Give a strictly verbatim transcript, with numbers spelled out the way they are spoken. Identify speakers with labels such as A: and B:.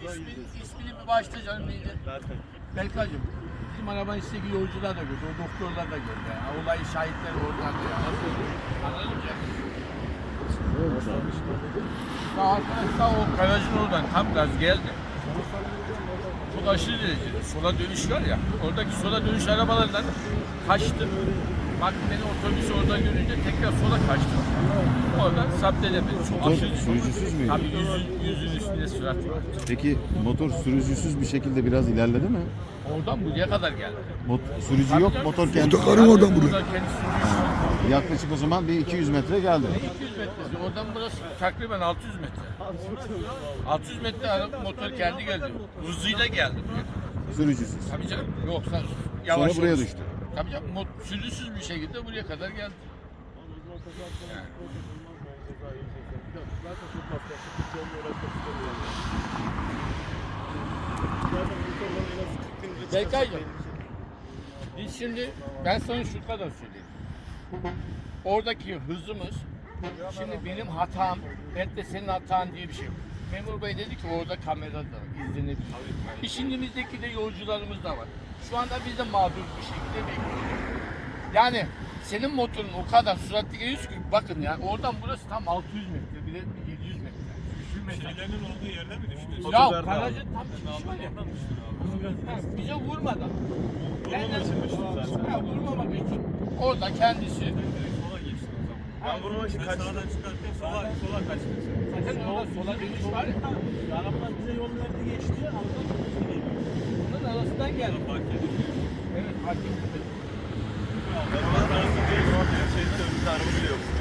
A: ismini, ismini bir başta canım neydi?
B: Berkay.
A: Berkay'cığım. Bizim arabanın içindeki yolcular da gördü, o doktorlar da gördü. Yani. Olayı şahitler oradan da yani. Anladın mı? Ya arkadaşlar o garajın oradan tam gaz geldi. Çok aşırı derecede. Sola dönüş var ya, oradaki sola dönüş arabalarından kaçtı. Bak beni otobüs orada görünce tekrar sola kaçtı. Oradan zapt edemedi. Çok
C: Motor
A: aşırı.
C: sürücüsüz müydü?
A: Tabii yüzün, yüzün üstünde sürat var.
C: Peki motor sürücüsüz bir şekilde biraz ilerledi mi?
A: Oradan buraya kadar geldi.
C: Mot sürücü yok, motor kendi.
D: Otokarın oradan buraya.
A: Oradan kendisi sürüyor.
C: Yaklaşık o zaman bir iki yüz metre geldi.
A: iki yüz metresi. Oradan burası takriben altı yüz metre. altı yüz metre araba motor kendi geldi. Hızıyla geldi buraya.
C: Sürücüsüz.
A: Tabii canım. Yoksa yavaş
C: Sonra buraya
A: olur.
C: düştü.
A: Tabii canım. mot- Sürüsüz bir şekilde buraya kadar geldi. Yani. Berkay'cığım, biz şimdi, ben sana şu kadar söyleyeyim. Oradaki hızımız, şimdi benim hatam, belki de senin hatan diye bir şey yok. Memur Bey dedi ki orada kamera da var, izlenebilir. İşimizdeki de yolcularımız da var. Şu anda biz de mağdur bir şekilde bekliyoruz. Yani senin motorun o kadar süratli geliyorsun ki bakın ya oradan burası tam altı yüz metre, bile yedi yüz metre.
B: Şeylerin olduğu yerde mi düştü?
A: Ya garajın tam çıkışı var ya. Ha, bize vurmadan.
B: Vurmamak için düştü zaten.
A: Ha, vurmamak için. Orada kendisi.
B: Sola geçti o zaman. Ben vurmak için kaçtım. Sağdan çıkarttım, sola, sola kaçtım.
A: Zaten orada sola dönüş var ya.
E: Arabalar bize yol verdi geçti. Arabalar bize geliyor.
A: Bunun arasından geldi.
B: Fark ettim.
A: Evet fark ettim.
B: Ben arası değil, o an şeyde önümüzde araba bile yok.